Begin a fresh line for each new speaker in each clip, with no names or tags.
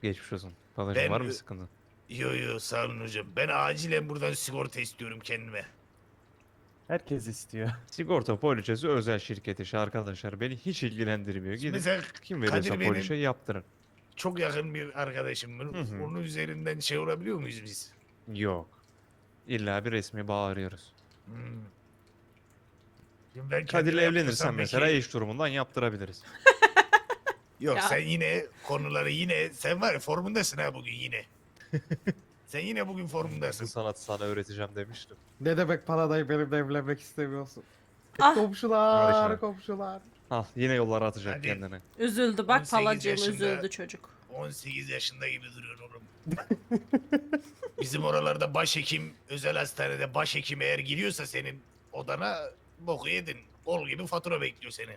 Geçmiş olsun. Palacığım
Ben
var mı sıkıntı?
yo sağ olun hocam. Ben acilen buradan sigorta istiyorum kendime.
Herkes istiyor.
Sigorta poliçesi özel şirket işi arkadaşlar. Beni hiç ilgilendirmiyor.
Şimdi
Gidin
mesela
kim
Kadir
veriyorsa poliçe
benim
yaptırın.
çok yakın bir arkadaşım.
Hı hı.
Onun üzerinden şey olabiliyor muyuz biz?
Yok. İlla bir resmi bağ arıyoruz.
Hmm. Şimdi ben
Kadir'le
kendime
evlenirsen
yaptırsam
mesela
peki...
eş durumundan yaptırabiliriz.
Yok
Ya.
sen yine konuları yine... Sen var ya formundasın ha bugün yine. Sen yine bugün
Bu
formundasın.
sanatı sana öğreteceğim demiştim.
Ne demek paradayı benimle evlenmek istemiyorsun?
Ah.
Komşular,
Barış'a.
komşular.
Al yine yollara atacak
Hadi.
kendini.
Üzüldü bak
18
palacığım
yaşında.
üzüldü çocuk.
18 yaşında gibi duruyor oğlum. Bizim oralarda başhekim, özel hastanede başhekim eğer giriyorsa senin odana boku yedin. Kol gibi fatura bekliyor seni.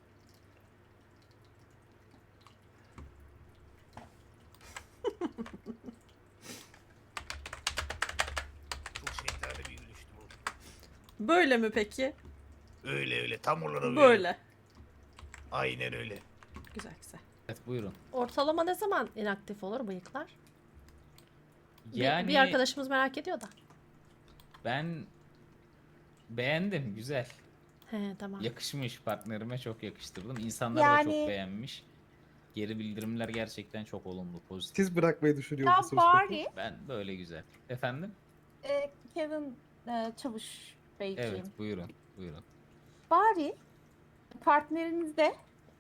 Çok şeytani bir gülüştü bu.
Böyle mi peki?
Öyle öyle tam olarak öyle.
Böyle.
Aynen öyle.
Güzel güzel.
Evet buyurun.
Ortalama ne zaman inaktif olur bıyıklar?
Yani
Bir arkadaşımız merak ediyor da.
ben beğendim, güzel.
He tamam.
Yakışmış, partnerime çok yakıştırdım. İnsanlar da
Yani-
çok beğenmiş. Geri bildirimler gerçekten çok olumlu, pozitif.
Siz bırakmayı düşünüyor
Ya
musunuz peki?
bari
Ben böyle güzel. Efendim?
Kevin Çavuş Beyciğim.
Evet, buyurun. Buyurun.
Bari partnerinizde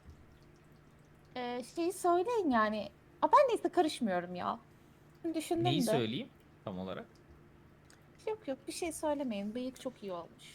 şeyi söyleyin yani. Ben neyse karışmıyorum ya. Düşündüm
Neyi
de.
söyleyeyim tam olarak?
Yok bir şey söylemeyin. Bıyık çok iyi olmuş.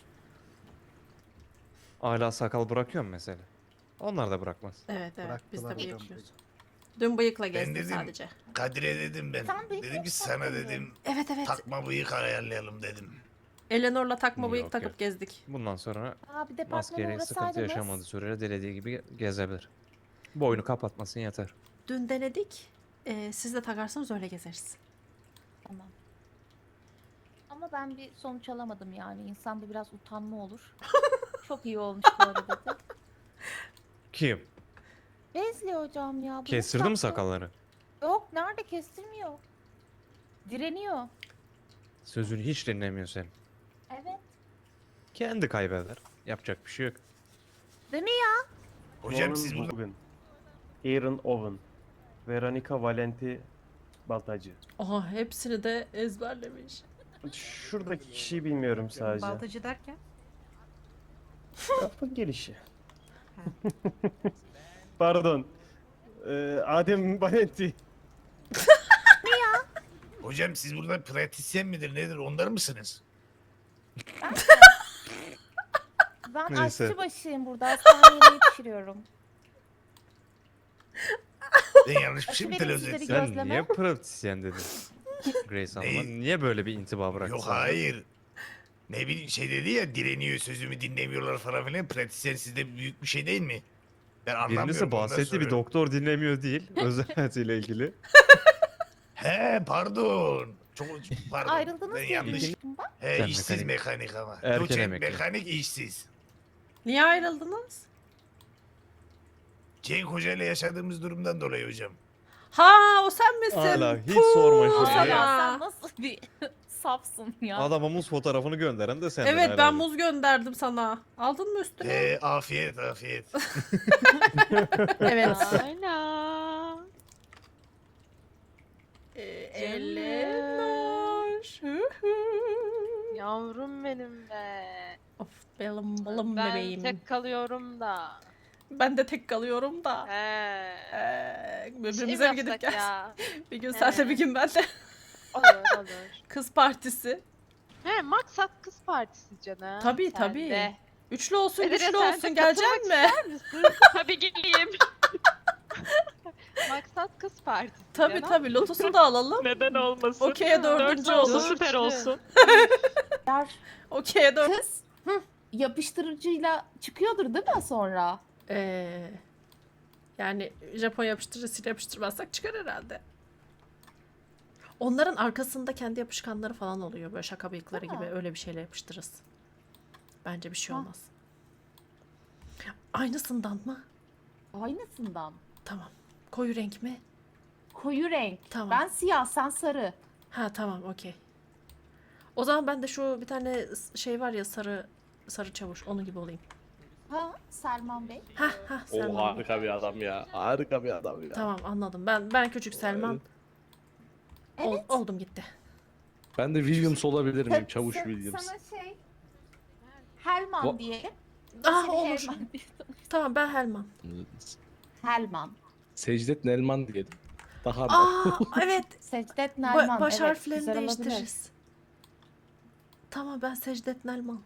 Hala sakal bırakıyor mu mesela? Onlar da bırakmaz.
Evet evet biz de
Bıraktılar
bıyık.
hocam.
Dün bıyıkla
Ben
gezdim
dedim-
sadece.
Kadir'e dedim ben.
Sen bıyık
Dedim ki
yapsak
sana
mı?
dedim
Evet evet.
takma bıyık ayarlayalım dedim.
Eleanor'la takma bıyık
Yok,
takıp
yok.
gezdik.
Bundan sonra
Bir de
maskeyle
partnere
sıkıntı
uğrasaydınız.
yaşamadığı sürece dilediği gibi gezebilir. Boynu kapatmasın yeter.
Dün denedik. Siz de takarsanız öyle gezeriz.
Tamam. Ama ben bir sonuç alamadım yani. İnsanda biraz utanma olur. Çok iyi olmuş bu arada dedi.
Kim?
Bezli hocam ya. bıyık
Kestirdi mi
taktı.
sakalları?
Yok nerede kestirmiyor. Direniyor.
Sözünü hiç dinlemiyor senin.
Evet.
Kendi kaybeder. Yapacak bir şey yok.
Değil mi ya?
Hocam
Norman
siz burada...
Bugün, Aaron Owen, Veronica Valenti Baltacı.
Oha hepsini de ezberlemiş.
Şuradaki kişiyi bilmiyorum sadece.
Baltacı derken?
Lafın gelişi. Pardon. Adem Valenti.
Hocam siz burada pratisyen midir nedir onlar mısınız?
Ben
Neyse.
aşçı başıyım burada. Hastane yemeği pişiriyorum.
Ben yanlış bir şey mi
Verin
telaffuz
sizleri
ettim?
Sen
Gözleme.
niye pratisyen dedin? Grace Hanım'a
Neyi?
niye böyle bir intiba bıraktın?
Yok
sana?
hayır. Ne bileyim şey dedi ya direniyor sözümü dinlemiyorlar falan filan. Pratisyen sizde büyük bir şey değil mi? Ben anlamıyorum.
Birincisi
ondan
bahsetti bir
soruyorum.
doktor dinlemiyor değil. Özel hayatıyla ilgili.
He pardon. Çok pardon.
Ayrıldınız
Ben
diye
yanlış.
duymuştum ben.
He
Sen
işsiz
mekanik.
mekanik ama.
Erken
Doçent
emekli.
mekanik işsiz.
Niye ayrıldınız?
Cenk Hoca ile yaşadığımız durumdan dolayı hocam.
Ha o sen misin?
Hala hiç
Puh,
sorma
o
şeyi.
sana.
Ya sen nasıl bir safsın ya.
Adama muz fotoğrafını gönderen de sendin
Evet ben
herhalde.
muz gönderdim sana. Aldın mı üstüne?
Afiyet afiyet.
Evet.
Aynen.
Eleanor. Hı hı.
Yavrum benim be.
Of benim balım
Ben
bebeğim.
tek kalıyorum da.
Ben de tek kalıyorum da.
Şey
Birbirimize
mi
bir gidip
yapsak
gel.
ya?
Bir gün sen de bir gün ben de.
Olur olur.
Kız partisi.
He maksat kız partisi canım.
Tabii,
Sen
tabii.
de.
Üçlü olsun
Edire,
güçlü
sen de
olsun gelecek
katılmak
mi?
ister misin? Tabii geleyim. Maksat kız partisi
Tabii
canım.
tabii Lotus'u da alalım.
Neden olmasın?
Okey'e dördüncü
oldu,
olur.
süper olsun.
Yar,
Okey'e dört.
kız yapıştırıcıyla çıkıyordur değil mi sonra?
Yani Japon yapıştırıcısıyla yapıştırmazsak çıkar herhalde. Onların arkasında kendi yapışkanları falan oluyor. Böyle şaka bıyıkları
Değil
gibi.
mi?
Öyle bir şeyle yapıştırırız. Bence bir şey
Ha.
olmaz. Aynısından mı?
Aynısından.
Tamam. Koyu renk mi?
koyu renk.
Tamam.
Ben siyah, sen sarı.
Ha tamam okey. O zaman ben de şu bir tane şey var ya sarı çavuş onu gibi olayım.
Ha, Selman Bey.
Ha
O
Selman. Bey.
harika bir adam ya. Harika bir adam ya.
Tamam anladım. Ben küçük Selman.
Evet.
Oldum gitti.
Ben de Williams olabilir miyim? Çavuş
Sa-
Williams.
Sana Helman
Va-
diyelim.
Ah
Seni
olur.
Helman diye-
Tamam ben Helman.
Helman.
Secdet Nelman diyelim. Daha da.
Aa evet.
Secdet Nelman.
Baş
evet,
harflerini
güzel olabilir.
değiştiririz. Tamam ben Secdet Nelman.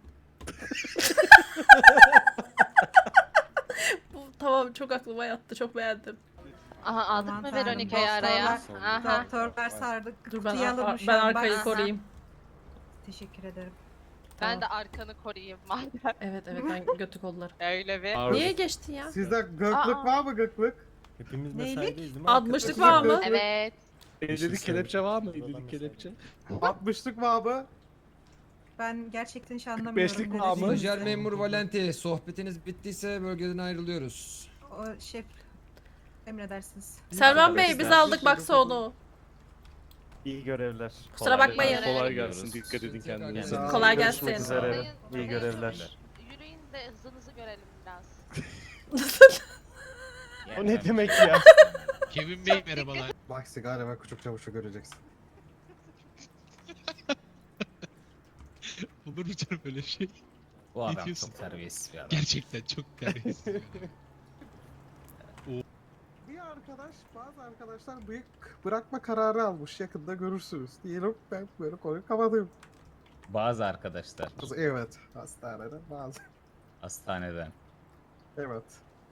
Bu tamam çok aklıma yattı. Çok beğendim.
Aha aldık
Aman
mı
tanrım,
Veronica'yı araya?
doktorlar-
Aha.
Doktorlar sardık.
Dur ben,
Kutuyu alırmış
ben
şu an,
arkayı
bak.
koruyayım.
Teşekkür ederim.
Ben de arkanı koruyayım madem.
Evet ben götü kollarım.
Öyle bir.
Abi,
Niye geçtin ya?
Sizde gıklık
Aa.
var mı gıklık?
Hepimiz
Neylik?
mesaideyiz değil mi?
Admışlık var mı?
Evet.
Evlilik kelepçe var mı? Evlilik kelepçe.
60'lık var mı?
Ben gerçekten hiç anlamıyorum.
45'lik
ne
var mı?
dediğinizi.
Stajyer memur Valenti, sohbetiniz bittiyse bölgeden ayrılıyoruz.
O şef emredersiniz.
Selman Bey biz
Arkadaşlar,
aldık baksa onu.
İyi görevler.
Kusura bakmayın.
Kolay gelsin. Dikkat edin kendinize.
Sağ olun.
Kolay
Görüşmek
gelsin.
üzere.
Sayın-
İyi
sayın
görevler.
Çavuş, Yürüyün de hızınızı görelim biraz.
O ne demek ya?
Kevin Bey merhabalar.
Bak sigara ve küçük çavuşu göreceksin.
Olur mu canım öyle şey?
Bu adam
diyorsun?
çok terbiyesiz bir adam.
Gerçekten çok terbiyesiz.
Bazı arkadaşlar bıyık bırakma kararı almış. Yakında görürsünüz. Diyelim ben böyle konuyu kapatıyorum.
Bazı arkadaşlar
Evet. Hastanede bazı.
hastaneden.
Evet.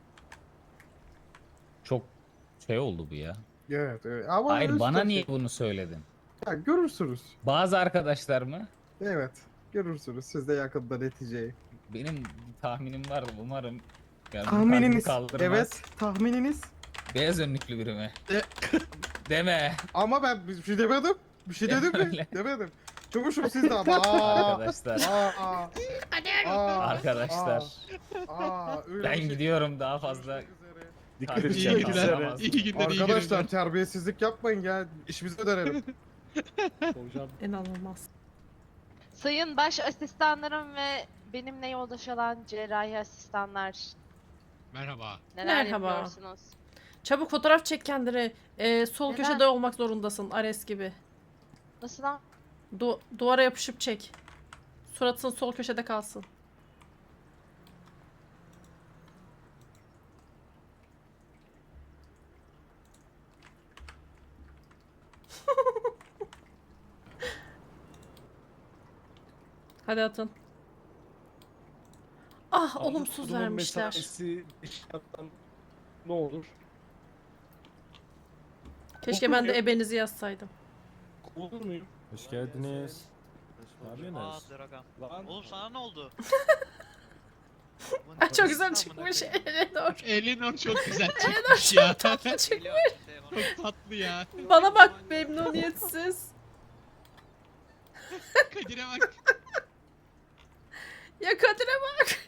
Çok şey oldu bu ya.
Evet. evet. Ama
Hayır
üst
bana
taşı-
niye bunu söyledin?
Ya, görürsünüz.
Bazı arkadaşlar mı?
Evet. Görürsünüz. Siz de yakında neticeyi.
Benim bir tahminim var umarım. Yani bu
Tahmininiz.
kalbimi kaldırmaz.
Evet. Tahmininiz.
Beyaz önlüklü biri mi?
E-
Deme.
Ama ben bir şey demedim. Bir şey dedim mi?
Öyle.
Demedim. Çavuşum siz de ama. Aa,
Arkadaşlar.
aa, aa,
Arkadaşlar.
öyle
Ben
bir şey-
gidiyorum daha fazla.
Dikkat edin
İyi
İyi
kendinize.
günler.
Anlamaz.
İyi günler. iyi
Arkadaşlar
günler.
terbiyesizlik yapmayın ya. İşimize dönelim.
Hocam
İnanılmaz.
Sayın baş asistanlarım ve benimle yoldaş olan cerrahi asistanlar.
Merhaba.
Neler
Merhaba.
yapıyorsunuz?
Çabuk fotoğraf çek kendini. Sol
Neden?
köşede olmak zorundasın Ares gibi.
Nasıl lan?
Duvara yapışıp çek. Suratın sol köşede kalsın. Hadi atın. Ah olumsuz
Kurumun
vermişler.
mesaisi şarttan ne olur?
Keşke ben de ebenizi yazsaydım.
Olur muyum?
Hoş geldiniz. Ne yapıyorsunuz?
Lan
Oğlum sana ne oldu?
Ay, çok güzel çıkmış Eleanor.
Elinor çok güzel çıkmış ya. Çok tatlı ya.
Bana bak memnuniyetsiz.
Kadir'e bak.
Ya Kadir'e bak.